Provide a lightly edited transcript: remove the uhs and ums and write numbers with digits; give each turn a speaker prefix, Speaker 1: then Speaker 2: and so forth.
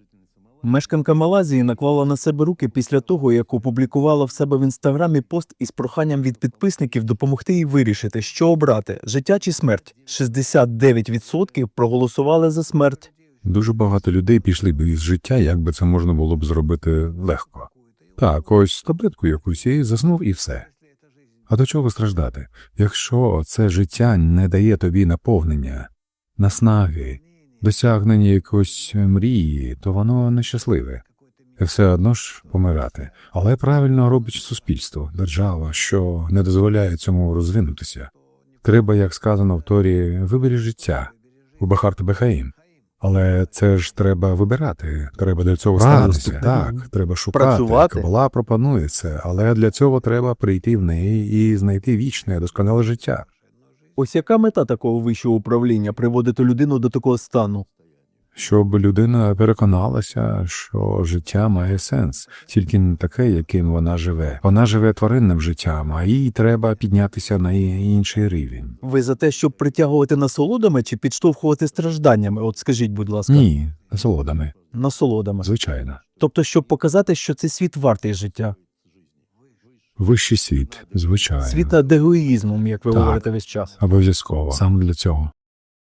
Speaker 1: Мешканка Малайзії наклала на себе руки після того, як опублікувала в себе в інстаграмі пост із проханням від підписників допомогти їй вирішити, що обрати – життя чи смерть. 69% проголосували за смерть.
Speaker 2: Дуже багато людей пішли б із життя, як би це можна було б зробити легко. Так, ось таблетку якусь і заснув і все. А до чого страждати? Якщо це життя не дає тобі наповнення, наснаги, досягнення якоїсь мрії, то воно нещасливе. І все одно ж помирати. Але правильно робить суспільство, держава, що не дозволяє цьому розвинутися. Треба, як сказано в Торі, вибери життя, убахарт бехаїм. Але це ж треба вибирати, треба до цього ставитися. Так, треба шукати.
Speaker 1: Працювати.
Speaker 2: Кабала пропонує це, але для цього треба прийти в неї і знайти вічне, досконале життя.
Speaker 1: Ось яка мета такого вищого управління – приводити людину до такого стану?
Speaker 2: Щоб людина переконалася, що життя має сенс, тільки не таке, яким вона живе. Вона живе тваринним життям, а їй треба піднятися на інший рівень.
Speaker 1: Ви за те, щоб притягувати насолодами чи підштовхувати стражданнями? От скажіть, будь ласка.
Speaker 2: Ні, насолодами,
Speaker 1: Насолодами.
Speaker 2: звичайно.
Speaker 1: Тобто, щоб показати, що цей світ вартий життя.
Speaker 2: Вищий світ, звичайно.
Speaker 1: Світ над егоїзмом, як ви
Speaker 2: Так.
Speaker 1: говорите весь час.
Speaker 2: Обов'язково. Саме для цього.